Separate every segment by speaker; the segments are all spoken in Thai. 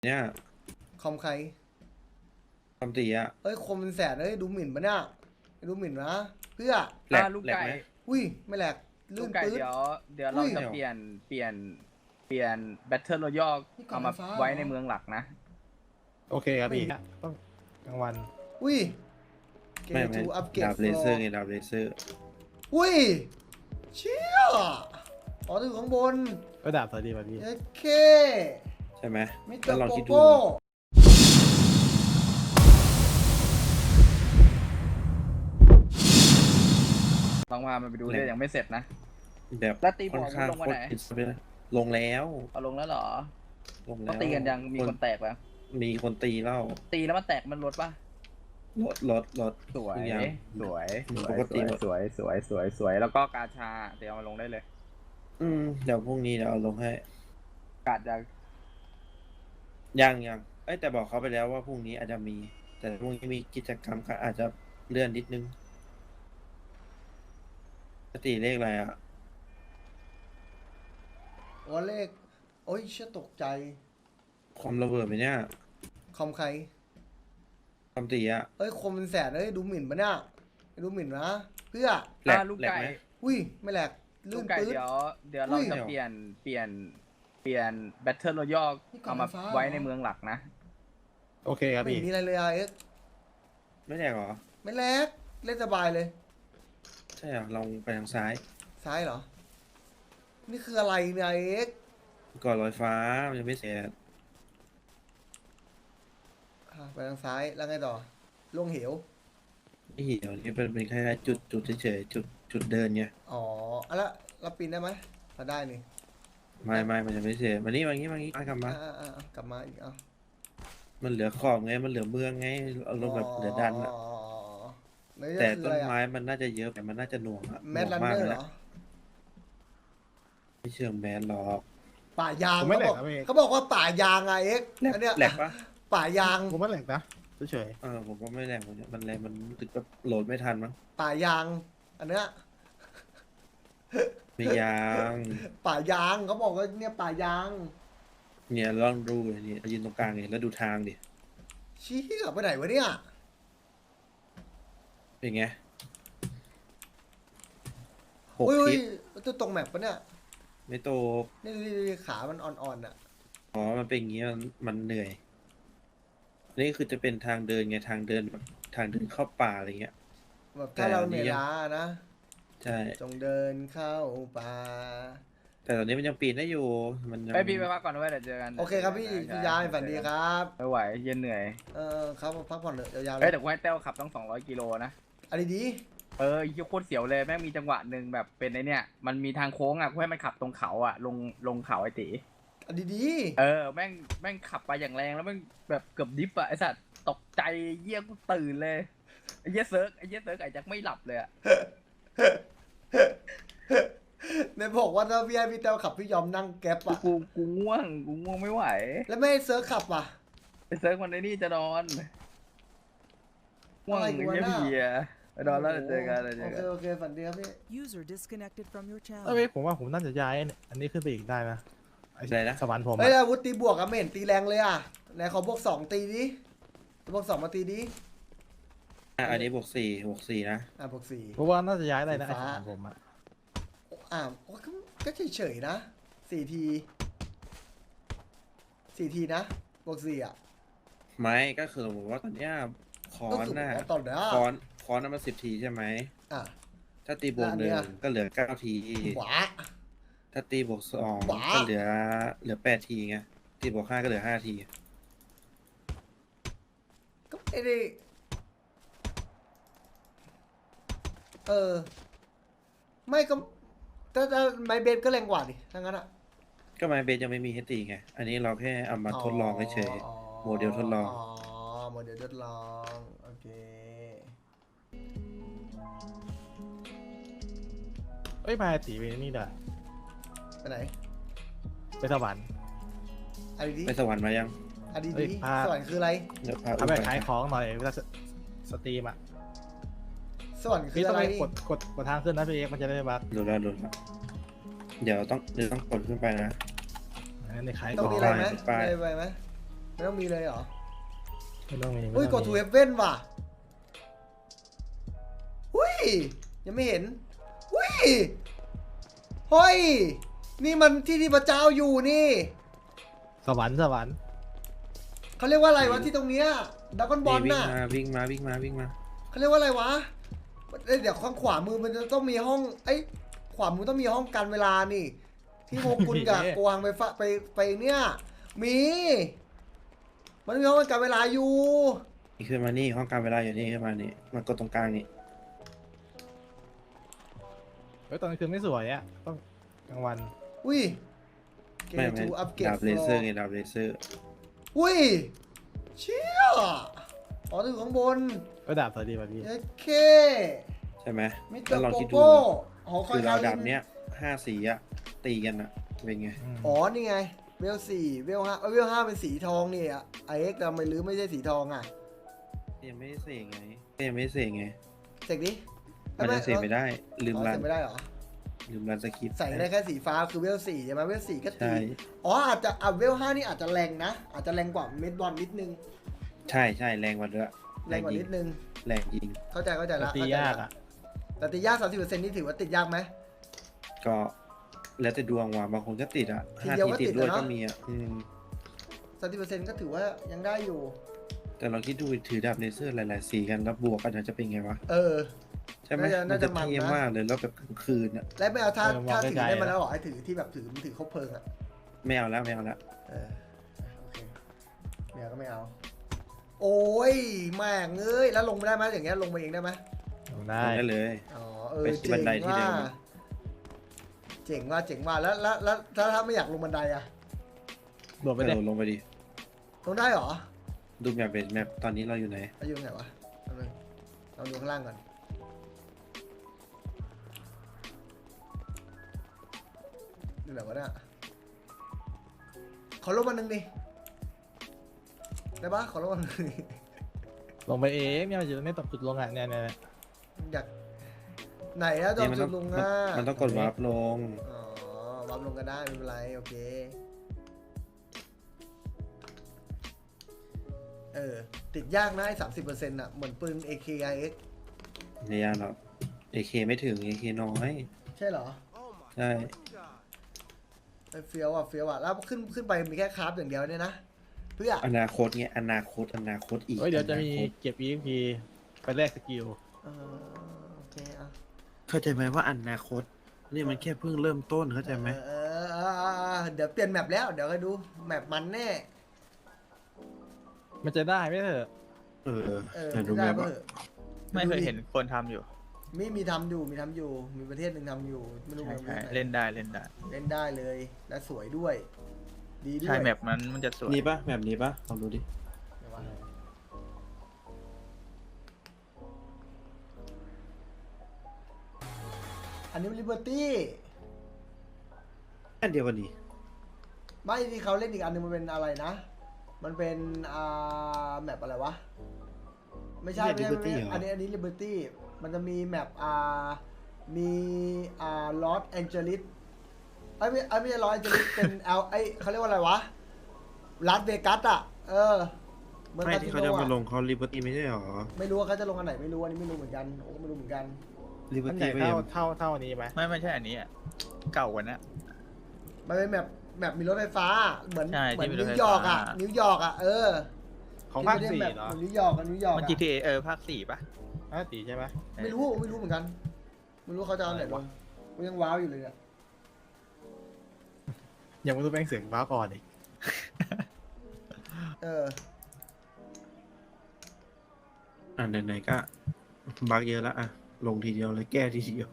Speaker 1: เนี่ย
Speaker 2: คอมใคร
Speaker 1: คำตีอะ
Speaker 2: เอ้ยคมเป็นแสนเอ้ยดูหมิ่นปะเนี่ยดูหมิ่นนะเพื่อ
Speaker 1: แหลก
Speaker 3: ลูก
Speaker 1: แหลกไหม
Speaker 3: ไก่
Speaker 2: อุ้ยไม่แหลก
Speaker 3: ลูกไก่
Speaker 2: ลื่นปื๊ด
Speaker 3: เดี๋ยวเรา
Speaker 2: อุ้ย
Speaker 3: จะเปลี่ยนแบทเทิลรอยัล
Speaker 2: นี่ก่อน
Speaker 3: เอามา
Speaker 2: ไฟฟ้า
Speaker 3: ไว้
Speaker 2: เหรอ
Speaker 3: ในเมืองหลักนะ
Speaker 4: โอเคครับพี่ต้องกลางวัน
Speaker 2: อุ้ยเก
Speaker 1: ไม่
Speaker 2: ทูอัพเกรด
Speaker 1: ดาบเลเซอร์ไงดาบเลเซอร์
Speaker 2: อุ้ยเชี่ยอ๋อถึงข้างบน
Speaker 4: ก็ดาบสวัสดีป่ะพี่
Speaker 2: โอเค
Speaker 1: ใช่ไหม
Speaker 2: มิสเตอ
Speaker 1: แล้ว
Speaker 2: ร์
Speaker 1: ลอง
Speaker 2: โป
Speaker 1: คิดดู
Speaker 2: โป้
Speaker 3: ลองพามันไปดูด้วยยังไม่เสร็จนะ
Speaker 1: แบบ
Speaker 3: แล้วตีบ
Speaker 1: ค่
Speaker 3: อ
Speaker 1: อก นข้าง
Speaker 3: ลง
Speaker 1: โค
Speaker 3: มา
Speaker 1: ต
Speaker 3: ไหน
Speaker 1: รอินสปิเรลงแล้ว
Speaker 3: เอาลงแล้วเหรอ
Speaker 1: ลงแล้
Speaker 3: เขา
Speaker 1: ว
Speaker 3: ตีกันยังมีคนแตกแล้ว
Speaker 1: มีคนตีแล้ว
Speaker 3: ตีแล้วมันแตกมันลดปะ
Speaker 1: รถ
Speaker 3: สวย
Speaker 1: ทุกอย่าง
Speaker 3: สวยส
Speaker 1: ป
Speaker 3: วย
Speaker 1: ก
Speaker 3: ส
Speaker 1: ติ
Speaker 3: วย
Speaker 1: หมด
Speaker 3: สวยสวยสวยสวยแล้วก็กาชาเดี๋ยวเอามาลงได้เลย
Speaker 1: เดี๋ยวพรุ่งนี้เดี๋ยวเอาลงให้
Speaker 3: กาดจะ
Speaker 1: ยังเอ้ยแต่บอกเขาไปแล้วว่าพรุ่งนี้อาจจะมี แต่พรุ่งนี้มีกิจกรรมก็อาจจะเลื่อนนิดนึงปกติเลขอะไรอะ
Speaker 2: อ๋อเลขโอ้ยเชี่ยตกใจ
Speaker 1: ความระเบิดไหมเนี่ย
Speaker 2: คอมใคร
Speaker 1: คำตีอะ
Speaker 2: เอ้ยคมเป็นแสนเอ้ยดูหมิ่นปะเนี่ยดูหมิ่นนะเพื่อ
Speaker 1: แหลก
Speaker 3: ลูก
Speaker 1: แหลก
Speaker 3: ไก่
Speaker 1: ไหม
Speaker 2: อุ้ยไม่แหลก
Speaker 3: ลู
Speaker 2: ลื่
Speaker 3: ก
Speaker 2: น
Speaker 3: ไก่
Speaker 2: ปื๊ด
Speaker 3: เดี๋ยว
Speaker 2: อุ้
Speaker 3: เรา
Speaker 2: ย
Speaker 3: จะเปลี่ยนแบทเทิลรอยัล
Speaker 2: นี่ก่อน
Speaker 3: เอามา
Speaker 2: ไฟฟ้า
Speaker 3: ไว้ในเมืองหลักนะ
Speaker 4: โอเคครับ
Speaker 2: ไม่
Speaker 4: พี่
Speaker 2: มีอะไรเลยอ่ะเอ็กซ์
Speaker 1: ไม่แหลกเหรอ
Speaker 2: ไม่แหลกเล่นสบายเลย
Speaker 1: ใช่เหรอลองไปทางซ้าย
Speaker 2: ซ้ายเหรอ นี่คืออะไรเนี่ยเอ็กซ์
Speaker 1: ก่อนลอยฟ้ามันยังไม่เสร็จ
Speaker 2: ไปทางซ้ายแล้วไงต่อลงเหว
Speaker 1: ไม่เหี่ยวนี่เป็นแค่จุดเฉยๆจุดเดินไง
Speaker 2: อ๋ออะแล้วเราปีนได้ไหมเราได้นี่
Speaker 1: ไม่มันยังไม่เสร็จมานี่กลับมา
Speaker 2: กลับมาอีกเอา
Speaker 1: มันเหลือขอบไงมันเหลือเมืองไงเอาลงแบบเหลือดันอะ
Speaker 2: ไม่
Speaker 1: แต่
Speaker 2: คือ
Speaker 1: ต้
Speaker 2: อะ
Speaker 1: น
Speaker 2: ไร
Speaker 1: ไม้
Speaker 2: อะ
Speaker 1: มันน่าจะเยอะแต่มันน่าจะหน่วงอะ
Speaker 2: แมด
Speaker 1: ห
Speaker 2: ลั
Speaker 1: น่วน ง
Speaker 2: เน
Speaker 1: มาก
Speaker 2: อร์
Speaker 1: เล
Speaker 2: เหร
Speaker 1: ย
Speaker 2: อ
Speaker 1: ไม่เชิงแมนหรอก
Speaker 2: ป่ายาง
Speaker 4: ผมไม่
Speaker 2: เขา
Speaker 4: แหล
Speaker 2: บอก
Speaker 4: กครับพี่
Speaker 2: เขาบอกว่าป่ายางไงเอ็กซ์
Speaker 1: แหลก
Speaker 2: อันเนี้ย
Speaker 1: แหลกปะ
Speaker 2: ป่ายาง
Speaker 4: ผมไม่แหลกนะเฉย
Speaker 1: ผมก็ไม่แหลกมันแรงมันตึกแบบโหลดไม่ทันมั้ง
Speaker 2: ป่ายาง อันเนี้ย
Speaker 1: ไม่ยาง
Speaker 2: ป่ายางเขาบอกว่าเนี่ยป่ายาง
Speaker 1: เนี่ยลองดูเลยนี่ยืนตรงกลางเลยแล้วดูทางดิ
Speaker 2: ชี้กลับไปไหนวะเนี่ย
Speaker 1: เป็นไงหก
Speaker 2: อุ้ย
Speaker 1: ทิศ
Speaker 2: ตัวตรงแมปปะเนี่ย
Speaker 1: ไม่โตก
Speaker 2: นี่ขามันอ่อนๆอ่ะ
Speaker 1: อ๋อมันเป็นอย่างงี้มันเหนื่อยนี่คือจะเป็นทางเดินไงทางเดินแบบทางเดินเข้าป่าอะไรเงี้ย
Speaker 2: แบบถ้าเราเหนื่อยล้านะ
Speaker 1: ใช่
Speaker 2: จงเดินเข้าป่า
Speaker 1: แต่ตอนนี้มันยังปีนได้อยู่มันยัง
Speaker 3: ไปพี่ไปพักก่อนด้วยเดี๋ยวเจอกัน
Speaker 2: โอเคครับพี่ยายฝันดีครับ
Speaker 3: ไม่ไหวเย็นเหนื่อย
Speaker 2: ครับพักผ่อนเถอะยาวๆเล
Speaker 3: เอ้ย
Speaker 2: ย
Speaker 3: แต่กูให้เต้วขับต้อง200กิโลนะ
Speaker 2: อันนี้ดี
Speaker 3: ยี่โคตรเสียวเลยแม่งมีจังหวะหนึ่งแบบเป็นไอเนี่ยมันมีทางโค้งอ่ะกูให้มันขับตรงเขาอ่ะลงเขาไอตี
Speaker 2: อันนี้ดี
Speaker 3: แม่งขับไปอย่างแรงแล้วแม่งแบบเกือบดิฟอ่ะไอสัตว์ตกใจเยี่ยกูตื่นเลยไอเยี่ยเซิร์กไอแจ็คไม่หลับเลยอ่ะ
Speaker 2: ในบอกว่าถ้าพี่ให้พี่เต้าขับพี่ยอมนั่งแก๊ปอะ
Speaker 3: กูง่วงไม่ไหว
Speaker 2: แล้วไม่ให้เซิร์ฟขับอ่ะ
Speaker 3: ไอเซิร์กมันไอนี่จะนอนง่วง
Speaker 2: อะไร
Speaker 3: ไอ้
Speaker 2: กูวะ
Speaker 3: เยี่ย
Speaker 2: น่ะ
Speaker 3: เพียไปนอนแล้วเดี๋ยวเจอกันเดี๋ยวเจอกัน
Speaker 2: โอเคฝันดีครับพี่
Speaker 5: User disconnected from your
Speaker 4: ๆ
Speaker 5: channel.
Speaker 4: เอ้ยผมว่าผมน่าจะย้ายอันนี้ขึ้นไปอีกได้นะไอ้
Speaker 1: อะไรนะ
Speaker 4: สวรรค์ผม
Speaker 2: เฮ้ย
Speaker 4: อะ
Speaker 2: อาวุธตีบวกอะไม่เห็นตีแรงเลยอะไหนขอบวกสองตีดิบวกสองมาตีดิ
Speaker 1: อันนี้บวกสี่นะ
Speaker 2: บวกสี่
Speaker 4: เพราะว่าน่าจะย้ายได้นะ
Speaker 2: สี
Speaker 4: ไอ้
Speaker 2: ฟ้า
Speaker 4: สวรรค์ผมอะ
Speaker 2: ก็เฉยๆนะสี่ทีนะบวกสี่อะ
Speaker 1: ไม่ก็คือผมว่าตอนเนี้ยคอ
Speaker 2: ก็
Speaker 1: น
Speaker 2: คือ
Speaker 1: น่ะ
Speaker 2: ตอนเนี้ย
Speaker 1: คอนน่ะมัน10 ทีใช่ไหม
Speaker 2: อ่ะ
Speaker 1: ถ้าตีบวก
Speaker 2: แล้วอัน
Speaker 1: ห
Speaker 2: เนี้
Speaker 1: นึ่ง
Speaker 2: ย
Speaker 1: ก็เหลือ9 ที
Speaker 2: หวา
Speaker 1: ถ้าตีบวก2
Speaker 2: หวา
Speaker 1: ก็เหลือ8 ทีไงตีบวก5ก็เหลือ5 ที
Speaker 2: ก็ไม่ได้ไม่ก็ถ้าไมเบนก็แรงกว่าดิทั้างนั้นอะ
Speaker 1: ก็ไมเบสยังไม่มีให้ตีไง อันนี้เราแค่เอามาทดลองเฉยโมเดลทดลอง
Speaker 2: โมเดลทดลองโอเค
Speaker 4: เอ้ยมาตีไปนี่เด้อ
Speaker 2: ไปไหน
Speaker 4: ไปสวรรค์
Speaker 2: อันนี้ดี
Speaker 1: ไปสวรรค์มายัง
Speaker 2: อันนี้
Speaker 4: เฮ้ย
Speaker 2: ดี
Speaker 4: พา
Speaker 2: สวรรค์คืออะไร
Speaker 1: เดี๋ยวพา
Speaker 4: เอาไปขายของหน่อยเวลาสตรีมอะ
Speaker 2: สวรรค์คื
Speaker 4: พี่
Speaker 2: อ
Speaker 4: ต้อ
Speaker 2: อะ
Speaker 4: ง
Speaker 2: ไร
Speaker 4: ไปกดทางขึ้นนะพี่เอกมันจะได้ไม่บัก
Speaker 1: ดูแล้วเดี๋ยวต้องกดขึ้นไปนะ
Speaker 4: งั้นในขาย
Speaker 2: ต้
Speaker 4: ข
Speaker 2: อง
Speaker 4: อง
Speaker 2: มีอะไรไหม
Speaker 1: ไป
Speaker 2: ไปไหมไม่ต้องมีเลยเหรอ
Speaker 4: ไม่ต้องมี
Speaker 2: เฮ้ยกดทูเอฟเว่นว่ะหุ้ยยังไม่เห็นหุ้ยเฮ้ยนี่มันที่พระเจ้าอยู่นี่
Speaker 4: สวรรค์สวรรค์
Speaker 2: เขาเรียกว่าอะไรวะที่ตรงเนี้ยดราก้อนบอล
Speaker 1: วิ่ง
Speaker 2: น่ะ
Speaker 1: มาวิ่งมาวิ่งมาวิ่งมา
Speaker 2: เขาเรียกว่าอะไรวะเอ้ยเดี๋ยวข้างขวามือมันจะต้องมีห้องไอ้ยขวามือต้องมีห้องการเวลานี่ ที่โฮกุนกับกวางไปเนี่ยมีมันมีห้องการเวลาอยู่
Speaker 1: นี่ขึ้นมานี่ห้องการเวลาอยู่นี่ขึ้นมานี่มากดตรงกลางนี่
Speaker 4: เฮ้ยตอนกลางคืนไม่สวยอ่ะต้องกลางวัน
Speaker 2: อุ้ยเก
Speaker 1: ไม่
Speaker 2: มทูอัปเกรด
Speaker 1: ดาบเลเซอร์ไงดาบเลเซอร์
Speaker 2: อุ้ยเชี่ยอ๋อถึงข้างบน
Speaker 4: ก็ดาบสวยดีป่ะพี่
Speaker 2: โอเค
Speaker 1: ใช่ไหม
Speaker 2: มิสเตอ
Speaker 1: แล้ว
Speaker 2: ร์
Speaker 1: ลอง
Speaker 2: โก
Speaker 1: คิดดู
Speaker 2: โก้หอคอ
Speaker 1: คื
Speaker 2: ย
Speaker 1: อเรา
Speaker 2: คา
Speaker 1: ดา
Speaker 2: ริ
Speaker 1: บ
Speaker 2: น
Speaker 1: เนี้ย5 สีอะตีกันอะเป็นไง
Speaker 4: ม
Speaker 2: อ๋อนี่ไงเวลสี่เวลห้าเวลห้าเป็นสีทองนี่อ่ะไอเอ็กซ์ทำไมหรือไม่ใช่สีทองอ่ะ
Speaker 1: ยังไม่ได้เสกไงยังไม่ได้เสกไง
Speaker 2: เสกดิ
Speaker 1: มันจะเสกไม่ได้ลืม
Speaker 2: อ๋อ
Speaker 1: รั
Speaker 2: เส
Speaker 1: น
Speaker 2: กไม่ได้เหรอ
Speaker 1: ลืมรันสคริปต์
Speaker 2: ใส่ได้แค่สีฟ้าคือเวลสี่ใช่ไหมเวลสี่ก็ตี
Speaker 1: ใช่
Speaker 2: อ๋ออาจจะเวลห้านี่อาจจะแรงนะ อาจจะแรงกว่าเมดบอลนิดนึง
Speaker 1: ใช่ใช่แรงกว่าด้วย
Speaker 2: แรงกว่านิดนึง
Speaker 1: แรงยิง
Speaker 2: เข้าใจละ
Speaker 4: ตี
Speaker 2: เข้ใจละ
Speaker 4: ยากอ่ะ
Speaker 2: แต่ตียาก30%นี่ถือว่าติดยากไหม
Speaker 1: ก็แล้วแต่ดวงว่ะบางคนก็ติดอะ
Speaker 2: ที
Speaker 1: 5
Speaker 2: เดียว
Speaker 1: ที
Speaker 2: ก็
Speaker 1: ติด
Speaker 2: ติด
Speaker 1: ด้วย
Speaker 2: อะเนอะ
Speaker 1: ก็มีอะ
Speaker 2: 30%ก็ถือว่ายังได้อยู่
Speaker 1: แต่เราคิดดูถือดาบเลเซอร์หลายๆสีกันแล้วบวกกันจะเป็นไงวะ
Speaker 2: เออ
Speaker 1: ใช่ไหม
Speaker 2: น่าจะ
Speaker 1: มันจะเท่
Speaker 2: มันนะ
Speaker 1: มากเลยแล้วแบบกลางคืนอะ
Speaker 2: และไม่เอาถ้าถือได้มาแล้วเหรอไอ้ถือที่แบบถือคบเพลิงอ่ะ
Speaker 1: ไม่เอาแล้วไม่เอาแล้ว
Speaker 2: เออโอเคไม่เอาก็ไม่เอา โอ้ยแม่งเอ้ยแล้วลงไม่ได้ไหมอย่างเงี้ยลงมาเองได้ไหม
Speaker 4: ได้
Speaker 1: ได้เลย
Speaker 2: อ๋อเออ
Speaker 1: ไปที่
Speaker 2: เจ๋
Speaker 1: บั
Speaker 2: ง
Speaker 1: นไดที่
Speaker 2: ว่า
Speaker 1: เดิม
Speaker 2: เจ๋งว่าแล้วถ้าไม่อยากลงบันไดอะ
Speaker 4: โดดไปเลย
Speaker 1: ลงไปดิ
Speaker 2: ลงได้เหรอ
Speaker 1: ดูแมปเป็นแมปตอนนี้เราอยู่ไหน
Speaker 2: อายุตรงไหนวะแป๊บนึงเราดูข้างล่างก่อนดูแบบว่าเนี่ยขอลบมาหนึ่งดิได้ปะขอลบมาหนึ่งดิ
Speaker 4: ลงไปเองเนี่ยมันอยู่ตรงนี้ตกจุดลงอ่ะเนี่ย
Speaker 2: อยากไหนอะจอมจุดลงอ่ะ
Speaker 1: มันต้องกดวาร์ปลง
Speaker 2: อ๋อวับลงก็ได้ไม่เป็นไรโอเคติดยากนะไอ้30%อ่ะเหมือนปืน AKIX
Speaker 1: ไม่ยากหรอก AK ไม่ถึง AK น้อย
Speaker 2: ใช่เหรอ
Speaker 1: ใช่
Speaker 2: ไอ้เฟี้ยวอ่ะแล้วขึ้นไปมีแค่คราฟอย่างเดียวเนี่ยนะเพื่อ
Speaker 1: อนาคตเงี้ยอนาคตอีก
Speaker 4: เฮ้ยเดี๋ยวจะมี
Speaker 1: อนาคต
Speaker 4: เก็บ EXP ไปแลกสกิล
Speaker 2: เออโอเคอ่ะ
Speaker 1: เข้าใจไหมว่าอนาคตนี่มันแค่เพิ่งเริ่มต้นเข้าใจไหม
Speaker 2: เดี๋ยวเปลี่ยนแมปแล้วเดี๋ยวก็ดูแมปมันแน่
Speaker 4: มันจะได้ไหมเถอะ
Speaker 1: เออ
Speaker 2: ไม่
Speaker 1: ดู
Speaker 2: ได้
Speaker 1: แมป
Speaker 2: เพื่
Speaker 1: อะ
Speaker 2: อ
Speaker 5: ไม่เคยเห็นคนทำอยู่
Speaker 2: มีทำอยู่มีประเทศหนึ่งทำอยู่ไม่รู้
Speaker 5: ใช่
Speaker 2: ประเท
Speaker 5: ใช่
Speaker 2: ศไหน
Speaker 5: เล่นได้เล่นได้
Speaker 2: เล่นได้เลยและสวยด้วย ดีด้วย
Speaker 5: ใช่แมปนั้นมันจะสวย
Speaker 1: นี่ปะแบบนี้ปะลองดูดิ
Speaker 2: เดี๋ยววะอันนี้ลิเบอร์ตี้
Speaker 1: อันเดียวกันดิ
Speaker 2: ไม่ที่เขาเล่นอีกอันหนึงมันเป็นอะไรนะ มันเป็นแมปอะไรวะ ไม่ใช่ไม่ใช่ไม่ใช่อันนี้ลิเบอร์ตี้มันจะมีแมปมีลอสแองเจลิสไม่ใช่ลอสแองเจลิสเป็นเขาเรียกว่าอะไรวะลาสเวกัสอ่ะเหมือน
Speaker 1: ไม่
Speaker 2: คาสิ
Speaker 1: ที่
Speaker 2: โน
Speaker 1: เขาจะมาล
Speaker 2: อ่ะ
Speaker 1: งเขาลิเบอร์ตี้ไม่ใช่หรอ
Speaker 2: ไม่รู้ว่าเขาจะลงอันไหนไม่รู้อันนี้ไม่รู้เหมือนกันโอ้ก็ไม่รู้เหมือนกัน
Speaker 1: ลิเบอ
Speaker 4: มัน
Speaker 1: ร์
Speaker 4: ให
Speaker 1: ตี้
Speaker 4: ญ่
Speaker 1: ไม่
Speaker 4: เท่านี้ไหม
Speaker 5: ไม่ใช่อันนี้อ่ะเก่ากว่านะ
Speaker 2: มันเป็นแมปมีรถไฟฟ้าเหมือน
Speaker 5: ใช่
Speaker 2: เหมือน
Speaker 5: ที่มีรถ
Speaker 2: นิ
Speaker 5: ไฟ
Speaker 2: วยอร์กอ่ะ
Speaker 5: ฟ้า
Speaker 2: นิวยอร์กอ่ะ
Speaker 4: ของภาค
Speaker 2: ที่
Speaker 4: สี่
Speaker 2: ไม่ได้
Speaker 4: เหรอ
Speaker 2: เหมือนนิวยอร์ก
Speaker 5: มัน
Speaker 2: อะ
Speaker 5: GTA ภาค4ป่ะ
Speaker 4: ภาคสี่ใช่ไหม
Speaker 2: ไม่รู้เหมือนกันไม่รู้เขาจะเอาไหนลงกูยังว้าวอยู่เลยเนี่ย
Speaker 4: ยังไม่รู้แป้งเสียงว้าวก่อนอีก
Speaker 1: อ่ะไหนๆก็บักเยอะแล้วอ่ะลงทีเดียวเลยแก้ทีเดียว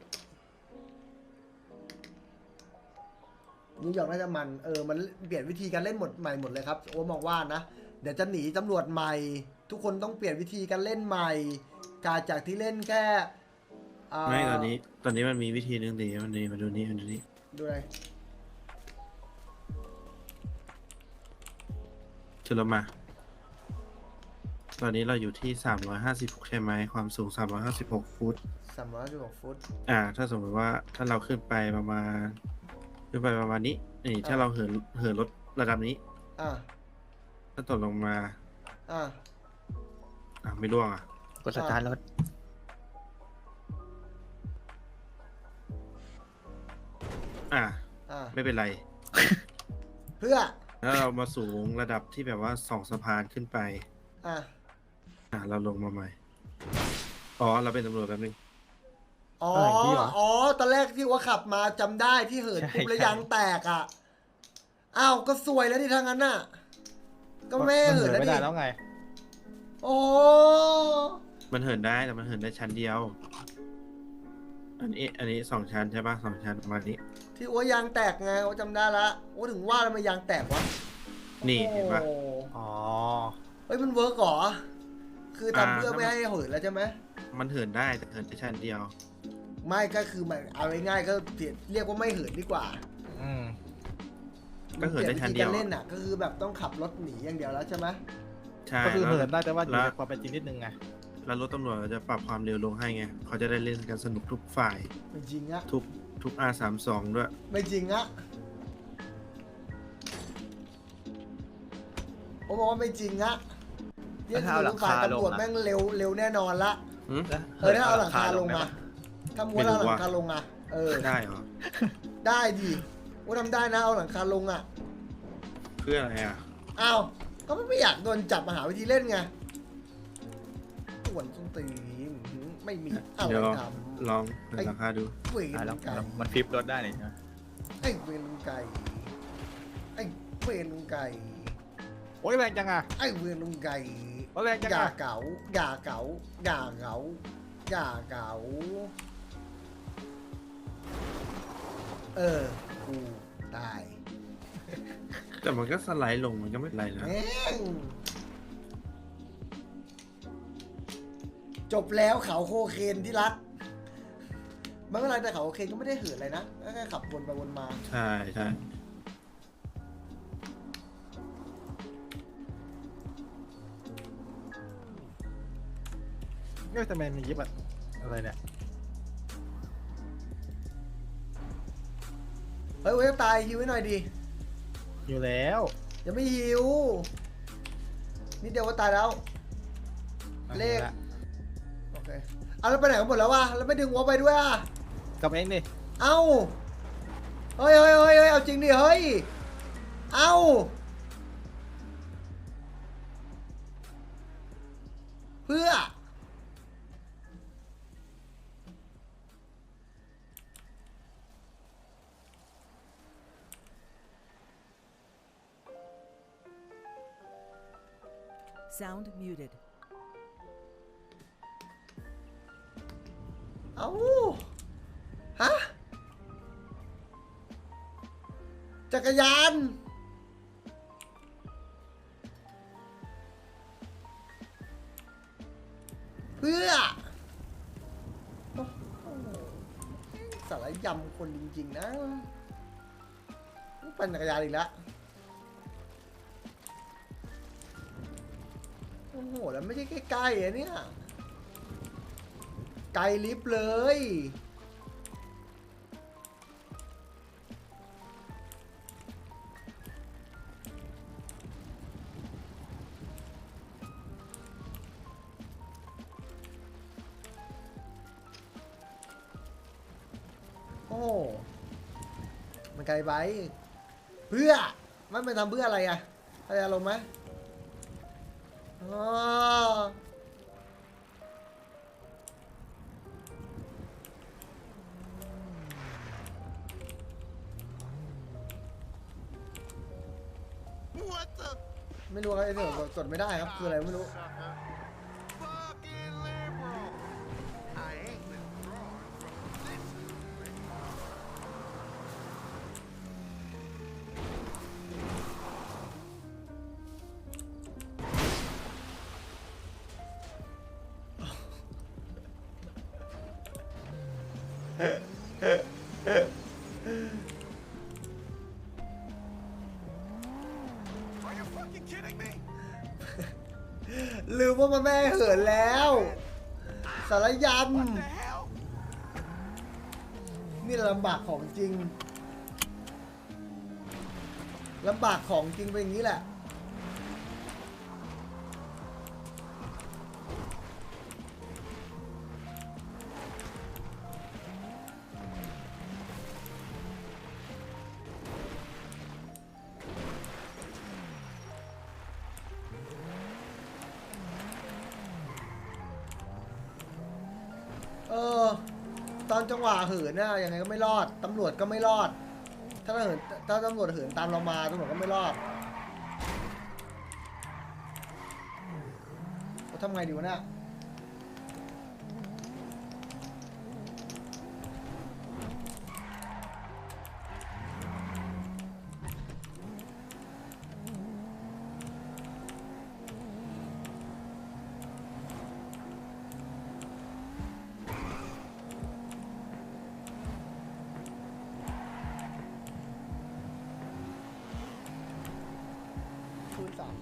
Speaker 2: นิวยอร์กน่าจะมันมันเปลี่ยนวิธีการเล่นใหม่หมดเลยครับโอ้มองว่านะเดี๋ยวจะหนีตำรวจใหม่ ทุกคนต้องเปลี่ยนวิธีการเล่นใหม่การจากที่เล่นแค่
Speaker 1: ไม่ตอนนี้มันมีวิธีนึงดีมันนี่มาดูนี่มาดูนี่
Speaker 2: ดูอะไร
Speaker 1: จุลมา ตอนนี้เราอยู่ที่356ใช่ไหมความสูง356ฟุต
Speaker 2: 316 ฟุต
Speaker 1: ถ้าสมมติว่าถ้าเราขึ้นไปประมาณนี้นี่ถ้าเราเหินรถระดับนี้
Speaker 2: อ่ะ
Speaker 1: ถ้าตกลงมา
Speaker 2: อ่ะ
Speaker 1: ไม่ร่วงอ่ะ
Speaker 5: กดสตาร์ทรถ
Speaker 1: อ่ะ
Speaker 2: อ่ะ
Speaker 1: ไม่เป็นไร
Speaker 2: เพื่อ
Speaker 1: แล้วเรามาสูงระดับที่แบบว่า2 สะพานขึ้นไป
Speaker 2: อ่ะ
Speaker 1: เราลงมาใหม่ อ๋อ เราเป็นตำรวจแป๊บนึง
Speaker 2: อ๋อ
Speaker 4: อะไรอย่างนี้เหรอ
Speaker 2: อ๋อ ตอนแรกที่ว่าขับมาจำได้ที่เหินปุ๊บแล้วยางแตกอ่ะ อ้าว ก็สวยแล้วดิทางนั้นน่ะ ก็ไม่ให้
Speaker 4: มัน
Speaker 2: เหินแล้ว
Speaker 4: ไม่
Speaker 2: ดิ
Speaker 4: ได้แล้วไง
Speaker 2: โอ้
Speaker 1: มันเหินได้แต่มันเหินได้ชั้นเดียว อันนี้2 ชั้นใช่ปะ2 ชั้นประมาณนี้
Speaker 2: ที่ว่ายางแตกไงว่าจำได้ละว่าถึงว่าแล้วมันยางแตกวะ
Speaker 1: นี่เห็นปะ
Speaker 2: โอ้
Speaker 4: อ๋อ
Speaker 2: เฮ้ยมันเวิร์กเหรอ คือทำเพื่อ
Speaker 1: ถ้า
Speaker 2: ไม่ให้เหินแล้วใช่ไหม
Speaker 1: มันเหินได้แต่เหินได้ชั้นเดียว
Speaker 2: ไม่ก็คือมันเอาง่ายๆก็เรียกว่าไม่เหินดีกว่า
Speaker 4: อืม
Speaker 1: ก็เหินได้ชั้นเดียว
Speaker 2: มัปลี่นวิธีการเล่นอ่ะ ก็คือแบบต้องขับรถหนีอย่างเดียวแล้วใช่ไหม
Speaker 1: ใช่
Speaker 4: ก็คือ
Speaker 1: แล้ว
Speaker 4: เหินได้แต่ว่าอยู่
Speaker 1: แล้
Speaker 4: ใน
Speaker 1: ว
Speaker 4: ความเป็นจริงนิดนึงไง
Speaker 1: แล้วรถตำรวจจะปรับความเร็วลงให้ไง เขาจะได้เล่นกันสนุกทุกฝ่าย
Speaker 2: ไม่จริงอะ
Speaker 1: ทุก R32 ด้วย
Speaker 2: ไม่จริงอะผมบอกว่าไม่จริงอะเรียกคือฝ่ายตำรวจแม่งเร็วแน่นอนละ
Speaker 1: หืม
Speaker 2: ถ้าเอาหลังคาลงมาถ้าม้วนเอาหลังคาลงอะ
Speaker 1: ได้เหรอ
Speaker 2: ได้ดิว่าทำได้นะเอาหลังคาลงอะ
Speaker 1: เพื่ออะไรอ่ะ
Speaker 2: อ้าวก็ไม่อยากโดนจับมาหาวิธีเล่นไงส่วนส้นตีนไม่มีอะไร
Speaker 1: เดี๋ยว
Speaker 2: ท
Speaker 1: ลองเปิดราคาดู
Speaker 2: ำเว
Speaker 5: อ่ะ
Speaker 2: ร
Speaker 5: แล้ว
Speaker 2: ไก่
Speaker 5: มันฟลิปรถได้เลยใช่ไหม
Speaker 2: ไอ้เวรไก่ไอ้เวรไก่
Speaker 4: โอ้ยแรงจังอ่ะ
Speaker 2: ไอ้เวรไก่
Speaker 4: โอ้ยแรงจัง
Speaker 2: อย่า
Speaker 4: อ่ะ
Speaker 2: เก๋าอย่าเก๋าอย่าเก๋าอย่าเก๋ากูตาย
Speaker 1: แต่มันก็สไลด์ลงมันก็ไม่เป็นไรนะ
Speaker 2: แม่งจบแล้วเขาโคเคนที่รักไม่เป็นไรแต่เขาโคเคนก็ไม่ได้เหืออะไรนะแค่ขับวนไปวนมา
Speaker 1: ใช่ใช่
Speaker 4: เนี่ยทำไมมียิบอะอะไรเนี่ย
Speaker 2: เฮ้ยโอ้ยจะตายฮิวไว้หน่อยดิ
Speaker 4: อยู่แล้ว
Speaker 2: ยังไม่ฮิวนิดเดียวก็ตายแล้ว เลข โอเคเอาแล้วไปไหนกันหมดแล้ววะแล้วไม่ดึงหัวไปด้วยอ่ะ
Speaker 4: กลับเองดิ
Speaker 2: เอ้า เฮ้ยเอาจริงดิ เฮ้ย เอ้า เพื่อ
Speaker 6: Sound muted.
Speaker 2: เอ้า ฮะ จักรยาน เพื่อโอ้โหสารยำคนจริงๆนะปั่นจักรยานอีกแล้ว โอ้โห แล้วไม่ใช่ใกล้ๆอะเนี่ย ไกลลิฟต์เลย โอ้โหมันไกลไป เพื่อมันทำเพื่ออะไรอะอะไรอารมณ์ไหมอ๋อ ไม่รู้ครับไอ้เดี๋ยวกดไม่ได้ครับ คืออะไรไม่รู้ ลืมว่ามันแม่เหินแล้ว สารยำนี่ลำบากของจริง ลำบากของจริงเป็นอย่างนี้แหละตอนจังหวะเหินน่ะยังไงก็ไม่รอดตำรวจก็ไม่รอด ถ้าตำรวจเหินตามเรามาตำรวจก็ไม่รอดเราทำไงดีวะเนี่ยคูณ 3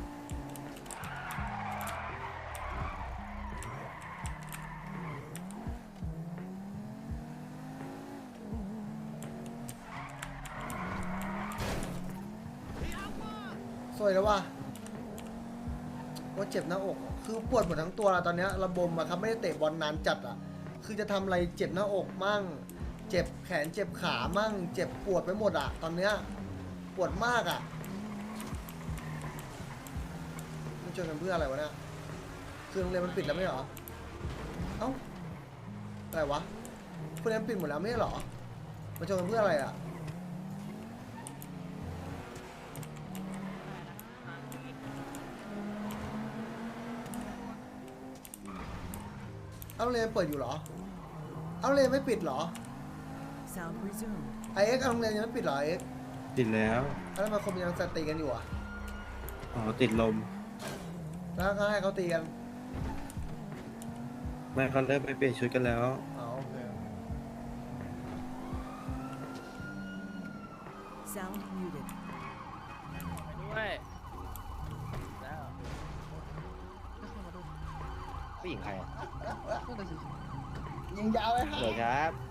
Speaker 2: สวยแล้วว่ะว่าเจ็บหน้าอก คือปวดหมดทั้งตัวแล้วตอนเนี้ยระบมอะครับไม่ได้เตะบอลนานจัดอะคือจะทำอะไรเจ็บหน้าอกมั่ง เจ็บแขนเจ็บขามั่ง เจ็บปวดไปหมดอะตอนเนี้ยปวดมากอะมันชวนกันเพื่ออะไรวะเนี่ยคือโรงเรียนมันปิดแล้วไม่เหรอ เอ้าอะไรวะโรงเรียนปิดหมดแล้วไม่ใช่เหรอมันชวนกันเพื่ออะไรอะเอาโรงเรียนเปิดอยู่เหรอ เอาโรงเรียนไม่ปิดเหรอ
Speaker 6: Sound resumed.
Speaker 2: ไอเอ็กซ์เอาโรงเรียนยังไม่ปิดเหรอไอเอ็กซ์
Speaker 1: ติดแล้ว
Speaker 2: แล้วทำไมคนมันยังตีกันอยู่อ่ะ
Speaker 1: อ๋อติดลม
Speaker 2: แล้วก็ให้เขาตีกัน
Speaker 1: ไม่เขาเริ่มไปเปลี่ยนชุดกันแล้ว
Speaker 2: อ๋อโอเค
Speaker 6: Sound muted.
Speaker 7: ด้วยแล้วผู้หญิงใครอ่ะ
Speaker 2: ยิงยาวเลยฮะ
Speaker 7: เหรอครับ